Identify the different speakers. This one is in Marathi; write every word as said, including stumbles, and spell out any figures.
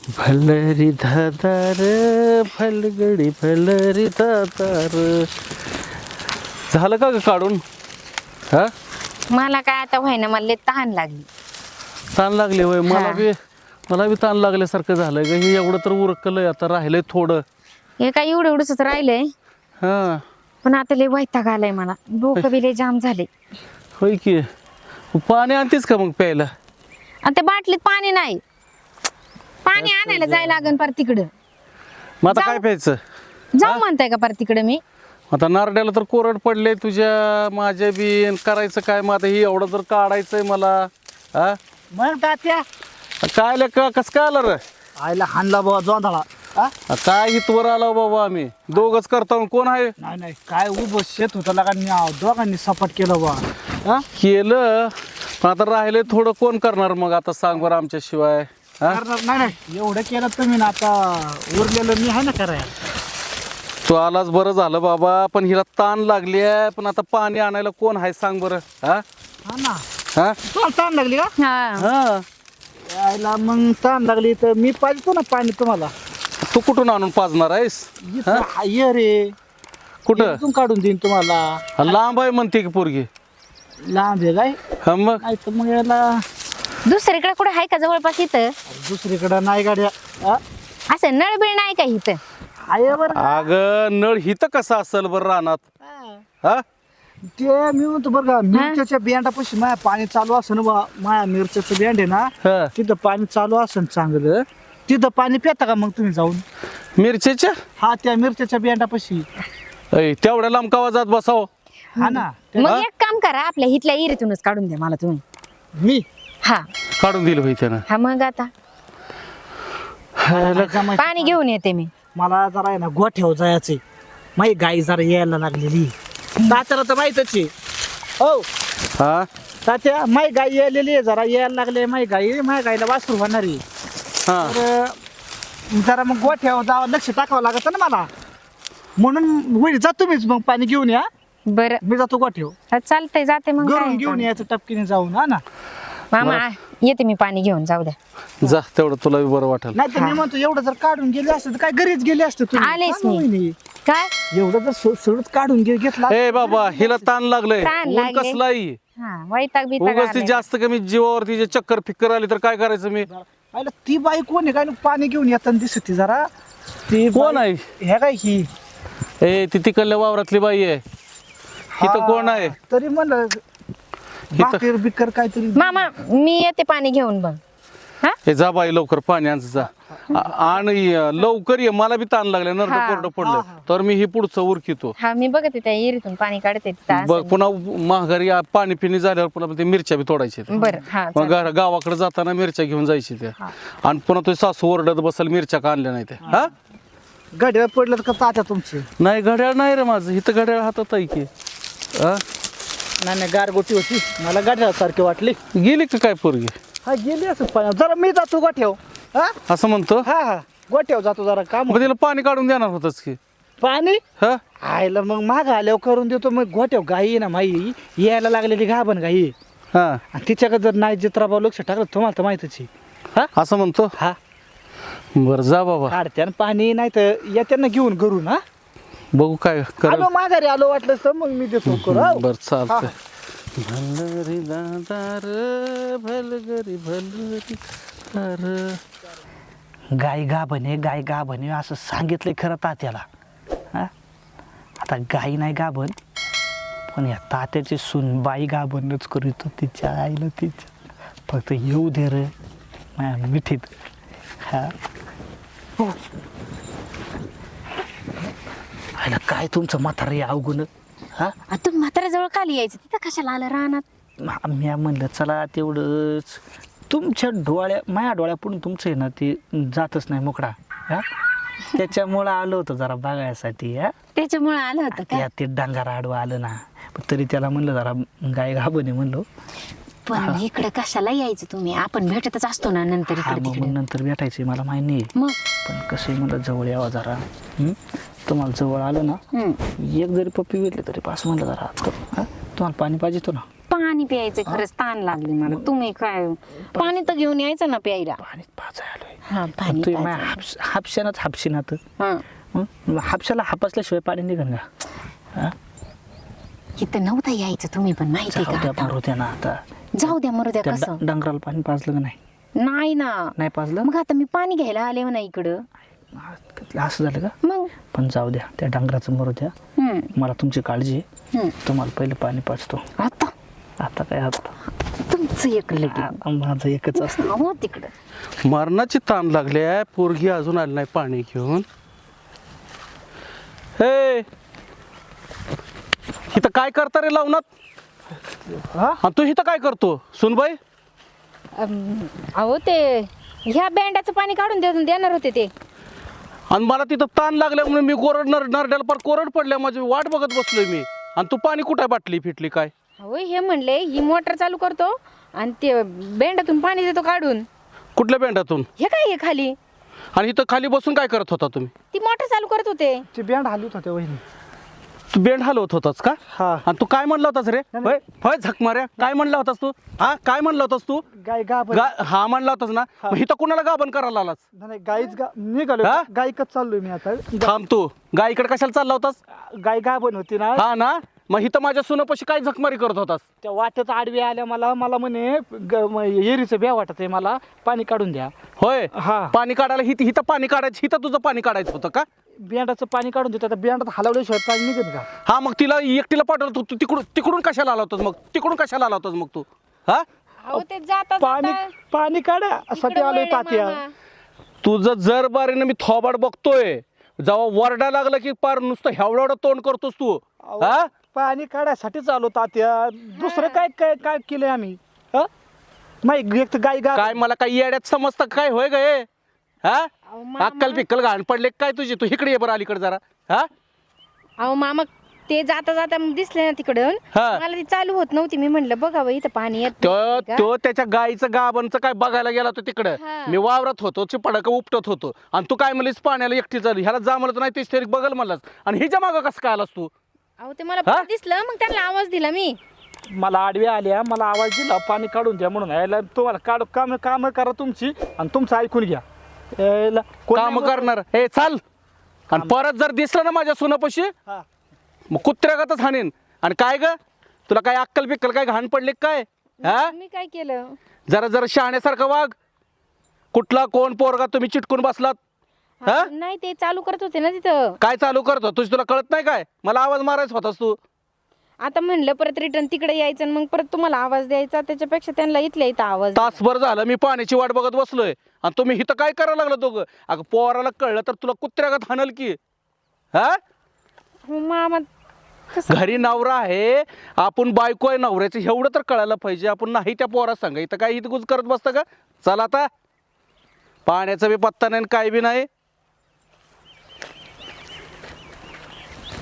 Speaker 1: भलरी धादार भलगडी भलरी धादार. झालं का ग काढून? हा
Speaker 2: मला काय आता व्हायना, मला लय तहान लागली.
Speaker 1: ताण लागले होय. मला
Speaker 2: हा.
Speaker 1: बी मला बी ताण लागल्यासारखं झालंय ग. हे एवढं तर उरकलंय, आता राहिलंय थोडं.
Speaker 2: हे काय एवढं एवढंच राहिलंय,
Speaker 1: हा
Speaker 2: पण आता लय वैताग आलाय मला. डोकं बी लय जाम झाले.
Speaker 1: होय की. पाणी आणतेच का मग प्यायला?
Speaker 2: आणि त्या बाटलीत पाणी नाही. पाणी आणायला जायला लागन पर तिकडं.
Speaker 1: मग आता
Speaker 2: जाऊ.
Speaker 1: काय प्यायचं?
Speaker 2: जाऊ म्हणताय का पर तिकडं मी?
Speaker 1: आता नारड्याला तर कोरड पडले तुझ्या माझ्या बी. करायचं काय मग आता? हे एवढं जर काढायचंय मला. हा
Speaker 3: मग तात्या
Speaker 1: काय आलं का? कसं काय आलं रे?
Speaker 3: आईला हाणला बाबा जोंधळा. हा?
Speaker 1: काय इथवर आलो बाबा आम्ही दोघच करतो. कोण आहे?
Speaker 3: नाही नाही काय उभं शेत होतं लागा, दोघांनी सपाट केलं बा. हा
Speaker 1: केलं पण आता राहिले थोडं. कोण करणार मग आता सांग बरं आमच्याशिवाय? हा
Speaker 3: करणार नाही नाही एवढं केलं तुम्ही ना, आता उरलेलं मी आहे ना करायला.
Speaker 1: तू आलाच बरं झालं बाबा. पण हिला ताण लागली आहे. पण आता पाणी आणायला कोण आहे सांग बरं? हा
Speaker 3: हा ना.
Speaker 1: हा
Speaker 3: तुम्हाला ताण लागली का?
Speaker 2: हा.
Speaker 1: हा
Speaker 3: यायला मग ताण लागली तर मी पाजतो ना पाणी तुम्हाला.
Speaker 1: तू कुठून आणून पाजणार आहेस?
Speaker 3: इथं हाय रे.
Speaker 1: कुठं?
Speaker 3: इथून काढून देईन तुम्हाला.
Speaker 1: लांब आहे म्हणते की पोरगी.
Speaker 3: लांब आहे काय?
Speaker 1: हा मग
Speaker 3: नाही तर मग याला
Speaker 2: दुसरीकडे कुठे आहे का जवळपास इथं?
Speaker 3: दुसरीकडं नाही गाड्या. हा?
Speaker 2: असं नळबिळ नाही का इथं?
Speaker 3: आहे बरं.
Speaker 1: अगं नळ हिथं कसं असेल बरं रानात? हा
Speaker 3: ते मी म्हणतो बरं का, मिरच्याच्या बियांडापाशी माया पाणी चालू असं ना बा. माया मिरच्याचं बियांड आहे ना,
Speaker 1: हा.
Speaker 3: तिथं पाणी चालू असेल चांगलं. तिथं पाणी पिता का मग तुम्ही जाऊन?
Speaker 1: मिरचीच्या
Speaker 3: हा त्या मिरच्याच्या बियांडापाशी.
Speaker 1: ऐ, तेवढ्या लांब कावा जात बसाव?
Speaker 3: हा ना.
Speaker 2: मग एक काम करा, आपल्या हिथल्या इरीतूनच काढून द्या मला तुम्ही.
Speaker 3: मी
Speaker 2: हा
Speaker 1: काढून दिलं होई त्यानं.
Speaker 2: हा मग आता
Speaker 3: मला जमायचं.
Speaker 2: पाणी घेऊन येते मी.
Speaker 3: मला जरा आहे ना गोठ्यावर जायचंय. माही गाई जरा यायला लागलेली. तात्याला तर माहितच आहे. हो
Speaker 1: हा
Speaker 3: तात्या, माही गाई यायलेली आहे, जरा यायला लागले. माही गाई माही गाईला वासरू होणार आहे.
Speaker 1: हा
Speaker 3: तर जरा मग गोठ्यावर जावं, लक्ष टाकावं लागत ना मला. म्हणून वहिनी जा तुम्हीच मग पाणी घेऊन या.
Speaker 2: बरं
Speaker 3: मी जातो गोठ्यावर.
Speaker 2: हा, चालतंय जाते मग.
Speaker 3: घरून
Speaker 2: काय
Speaker 3: घेऊन यायचं टपकीने जाऊन. हा ना.
Speaker 2: मामा येते मी पाणी घेऊन. जाऊ द्या.
Speaker 1: जा तेवढं तुला बी बरं वाटेल.
Speaker 3: नाही तर मी म्हणतो एवढं जर काढून गेले असते तर काय घरीच गेले असते तुम्ही.
Speaker 2: आलेच
Speaker 3: हा ना
Speaker 2: मी.
Speaker 3: वहिनी.
Speaker 2: काय
Speaker 3: एवढं जर सो- सगळंच काढून घे घेतला.
Speaker 1: ए बाबा हिला ताण लागलंय.
Speaker 2: ताण
Speaker 1: ऊन
Speaker 2: लागले.
Speaker 1: कसलाही
Speaker 2: हा वैताग बिताग
Speaker 1: उगाच ती
Speaker 2: आलाय.
Speaker 1: जास्त कमी जीवावरती जे चक्कर फिक्कर आली तर काय करायचं मी?
Speaker 3: आयला ती बाई कोण आहे काय ना, पाणी घेऊन येताना दिसत ती जरा. ती
Speaker 1: कोण
Speaker 3: बाई-
Speaker 1: आहे?
Speaker 3: हे काय ही
Speaker 1: ए ती तिकडल्या वावरातली बाई आहे. इथं
Speaker 3: हा,
Speaker 1: कोण आहे?
Speaker 3: तरी म्हणलं भाकर बिकर काहीतरी.
Speaker 2: मामा मी येते पाणी घेऊन बघ. हा
Speaker 1: हे जा बाई लवकर पाणी आण जा. आ- आणि लवकर ये. मला बी ताण लागले. नरड
Speaker 2: हा.
Speaker 1: कोरडं पडलं तर मी हे पुढचं उरकितो.
Speaker 2: हा मी बघते त्या इरीतून पाणी काढते तिथं
Speaker 1: बघ
Speaker 2: असेल.
Speaker 1: पुन्हा महागारी आ- पाणी पिणी झाल्यावर पुन्हा ते मिरच्या बी तोडायच्या त्या.
Speaker 2: बरं हा
Speaker 1: मग
Speaker 2: चालेल.
Speaker 1: गा- गावाकडे जाताना मिरच्या घेऊन जायची त्या.
Speaker 2: हा.
Speaker 1: आणि पुन्हा तुझी सासू ओरडत बसल मिरच्या का आणल्या नाही त्या. हा
Speaker 3: गड्या पडलं का तात्या तुमचे?
Speaker 1: नाही घड्याळ नाही रे माझं. इथं घड्याळ हातात आहे की. हा?
Speaker 3: नाही नाही गारगोटी होती, मला गाठ्या सारखी वाटली.
Speaker 1: गेली का काय पोरगी?
Speaker 3: हा गेली असं पाण्यात. जरा मी जातो गोठ्याव. हा
Speaker 1: असं म्हणतो.
Speaker 3: हा हा गोठ्याव जातो जरा काम.
Speaker 1: मग तिला पाणी काढून देणार होतच की.
Speaker 3: पाणी
Speaker 1: हा
Speaker 3: आयला मग माग आल्यावर करून देतो. मग गोठ्याव गाई आहे ना माई यायला लागलेली घाबन गाई आहे.
Speaker 1: हा
Speaker 3: आणि तिच्याकडे जर नाही चित्राबाव लक्ष टाकलं तुम्हाला तर माहितच आहे. हा
Speaker 1: असं म्हणतो.
Speaker 3: हा
Speaker 1: बरं जा बाबा.
Speaker 3: काढते आणि पाणी नाही तर येते ना घेऊन घरून. हा
Speaker 1: बघू काय कर.
Speaker 3: आलो माघारी आलो वाटलं तर मग मी देतो करू. हो.
Speaker 1: बर चालतंय. भलरी दादार भलगरी भलरी दार.
Speaker 3: गाय गा बने गाय गा बने असं सांगितलंय खरं तात्याला. हा आता गाई नाही गाभण, पण या तात्याची सून बाई गाभणच करीत तिच्या आईला. तिच्या फक्त येऊ दे रे माझ्या मिठीत. हा आईला काय तुमचं म्हातारं अवगुण. हा
Speaker 2: आ, तुम्ही म्हाताऱ्याजवळ खाली यायचं, तिथं कशाला आलं रानात?
Speaker 3: मी म्हणलं चला तेवढंच. तुमच्या डोळ्या माझ्या डोळ्यापुढून तुमचं आहे ना ते जातच नाही मोकळा. हा त्याच्यामुळं आलो होतं जरा बघायसाठी. हा
Speaker 2: त्याच्यामुळे आलं होतं का?
Speaker 3: त्या ते डांगार आडवं आलं ना, पण तरी त्याला म्हणलं जरा गाय घाबणे म्हणलो.
Speaker 2: पण इकडे कशाला यायचं तुम्ही? आपण भेटतच असतो ना नंतर
Speaker 3: हा
Speaker 2: इकडे
Speaker 3: मग
Speaker 2: तिकडे.
Speaker 3: नंतर भेटायचे मला माहिती नाही.
Speaker 2: मग
Speaker 3: पण कसं आहे म्हणलं जवळ यावं जरा. हं? तुम्हाला जवळ आलं ना,
Speaker 2: हम्म.
Speaker 3: एक जरी पप्पी भेटली तरी पास म्हणलं जरा आज करू. हा तुम्हाला पाणी पाहिजे तो ना.
Speaker 2: पाणी प्यायचं खरंच ताण लागली मला. तुम्ही काय पाणी तर घेऊन यायचं ना प्यायला.
Speaker 3: पाणी पाच आलोय
Speaker 2: हा पाणी
Speaker 3: तू
Speaker 2: प्यायचं.
Speaker 3: हापस हापशानच हापशीनात
Speaker 2: हा
Speaker 3: हापशाला हापसल्याशिवाय पाणी निघन का? हा?
Speaker 2: इथं नव्हतं यायचं तुम्ही पण माहिती
Speaker 3: जाऊ द्या
Speaker 2: का.
Speaker 3: मारू द्या ना आता.
Speaker 2: जाऊ द्या मरू द्या
Speaker 3: त्या
Speaker 2: कसं
Speaker 3: ड- डंगराला पाणी पाजलं का नाही?
Speaker 2: नाही ना.
Speaker 3: नाही पाजलं?
Speaker 2: मग आता मी पाणी घ्यायला आले ना इकडं.
Speaker 3: असं झालं का?
Speaker 2: मग
Speaker 3: पण जाऊ द्या त्या डंगराचं मरू द्या.
Speaker 2: हम्म
Speaker 3: मला तुमची काळजी आहे.
Speaker 2: हम्म.
Speaker 3: तुम्हाला पहिलं पाणी पाजतो.
Speaker 2: आता
Speaker 3: आता काय आता
Speaker 2: तुमचं एक लगे
Speaker 3: आ- माझं एकच असतं.
Speaker 2: हो तिकडं.
Speaker 1: मरणाची ताण लागली आहे. पोरगी अजून आली नाही पाणी घेऊन. हे इथं काय करता रे लावणात?
Speaker 3: हा?
Speaker 1: आणि तू इथं काय करतो सुनबाई?
Speaker 2: अम, अहो ते ह्या बँडाचं पाणी काढून देऊन देणार होते ते.
Speaker 1: आणि मला तिथं ताण लागल्या म्हणून मी कोरड नर नरड्याला पर कोरड पडल्या माझी वाट बघत बसलोय मी. आणि तू पाणी कुठे बाटली फिटली काय?
Speaker 2: अहो हे म्हणले ही मोटर चालू करतो आणि ते बेंडातून पाणी देतो काढून.
Speaker 1: कुठल्या बेंडातून?
Speaker 2: हे काय हे खाली
Speaker 1: आणि इथं खाली बसून काय करत होता तुम्ही?
Speaker 2: ती मोटर चालू करत होते.
Speaker 3: ती बँड हलवत होत्या वहिनी.
Speaker 1: तू बेंड हलवत होतास का?
Speaker 3: हा.
Speaker 1: आणि तू काय म्हणला होतास रे?
Speaker 3: नाही,
Speaker 1: होय होय झक माऱ्या काय म्हणला होतास तू? हा काय म्हणला होतास तू?
Speaker 3: गाय गा
Speaker 1: गा- हा म्हणला होतास ना. मग इथं कुणाला गाभण करायला आलास?
Speaker 3: नाही गाईच गा निघालो
Speaker 1: हा?
Speaker 3: गायकच चाललोय मी आता.
Speaker 1: थांब तू गायकडे कशाला चालला होतास?
Speaker 3: गाय गाभण होती ना.
Speaker 1: हा ना. मग इथं माझ्या सुनापाशी काय झकमारी करत होतास?
Speaker 3: त्या वाट्यात आडवी आल्या मला मला म्हणे ग- म- येरीचं ब्या वाटत आहे मला पाणी काढून द्या.
Speaker 1: होय
Speaker 3: हा.
Speaker 1: पाणी काढायला हिथं हिथं पाणी काढायचं हिथं तुझं पाणी काढायचं होतं का?
Speaker 3: बियांडाचं पाणी काढून देतो. आता बियांडात हलवल्याशिवाय पाणी निघत का?
Speaker 1: हा मग तिला एकटीला पाठवलं तू तू तिकडून तिकडून कशाला आला होतास मग? तिकडून कशाला आला होतास मग तू? हा
Speaker 2: अहो ते जाता
Speaker 3: पाणी
Speaker 2: जाता
Speaker 3: पाणी काढासाठी
Speaker 2: इकडं
Speaker 3: आलोय
Speaker 2: वळले
Speaker 3: तात्या.
Speaker 2: मामा.
Speaker 1: तुझं जर बारीनं मी थोबाड बघतोय. जेव्हा वरडा लागला की पार नुसतं हेवढं तोंड करतोस तू.
Speaker 3: अहो,
Speaker 1: हा
Speaker 3: पाणी काढायसाठीच आलो तात्या. दुसरं काय काय काय केलंय आम्ही? हा? नाही एक तर गाय गा
Speaker 1: काय मला काय येड्यात समजतं काय होय ग हे? हा
Speaker 2: अहो, मामा.
Speaker 1: अक्कल पिक्कल घाण पडले काय तुझी? तू इकडे ये बरं अलीकडे जरा. हा
Speaker 2: अहो मामा ते जाता जाता दिसले ना तिकडून
Speaker 1: हा.
Speaker 2: मला ती चालू होत नव्हती. मी म्हणलं बघावं इथं पाणी येत
Speaker 1: तो
Speaker 2: नाही का?
Speaker 1: तो त्याच्या गाईचं गाबांचं काय बघायला गेला होता तिकडं.
Speaker 2: हा.
Speaker 1: मी वावरात होतो चिपडक उपटत होतो आणि तू काय म्हणलीस पाण्याला एकटी चालू ह्याला जा म्हणत नाही तेच तरी बघल म्हणलास आणि हिच्या मागं कसं काय आलास तू?
Speaker 2: अहो ते मला
Speaker 1: हा?
Speaker 2: परत दिसलं मग त्यांना आवाज दिला मी.
Speaker 3: मला आडव्या आल्या मला आवाज दिला पाणी काढून द्या म्हणून. यायला तुम्हाला काढ काम काम करा तुमची आणि तुमचं ऐकून घ्या. यायला कोण
Speaker 1: काम
Speaker 3: नाही
Speaker 1: करणार हे चाल. आणि परत जर दिसलं ना माझ्या सुनापाशी
Speaker 3: हा.
Speaker 1: मग कुत्र्यागतच हाणीन. आणि काय ग तुला काय अक्कल बिक्कल काय घाण पडले काय? हा
Speaker 2: मी काय केलं?
Speaker 1: जरा जरा शहाण्यासारखं वाघ. कुठला कोण पोरगा तुम्ही चिटकून बसलात? हा?
Speaker 2: नाही ते चालू करत होते ना तिथं.
Speaker 1: काय चालू करतो तुझ तुला कळत नाही काय? मला आवाज मारायचा होतास तू.
Speaker 2: आता म्हणलं परत रिटर्न तिकडे यायचं आणि मग परत तुम्हाला आवाज द्यायचा. त्याच्यापेक्षा त्यांना इथल्या इथं आवाज दिला.
Speaker 1: तासभर झालं मी पाण्याची वाट बघत बसलोय आणि तुम्ही इथं काय करायला लागलं दोघं? अगं पोराला कळलं तर तुला कुत्र्यागत हाणल की. हा
Speaker 2: हो, मामा कसं?
Speaker 1: घरी नवरा आहे आपण बायको आहे नवऱ्याचं एवढं तर कळायला पाहिजे. आपण नाही त्या पोरा सांगा इथं काय इथं गुज करत बसतं का? चला आता पाण्याचा बी पत्ता नाही आणि काय बी नाही.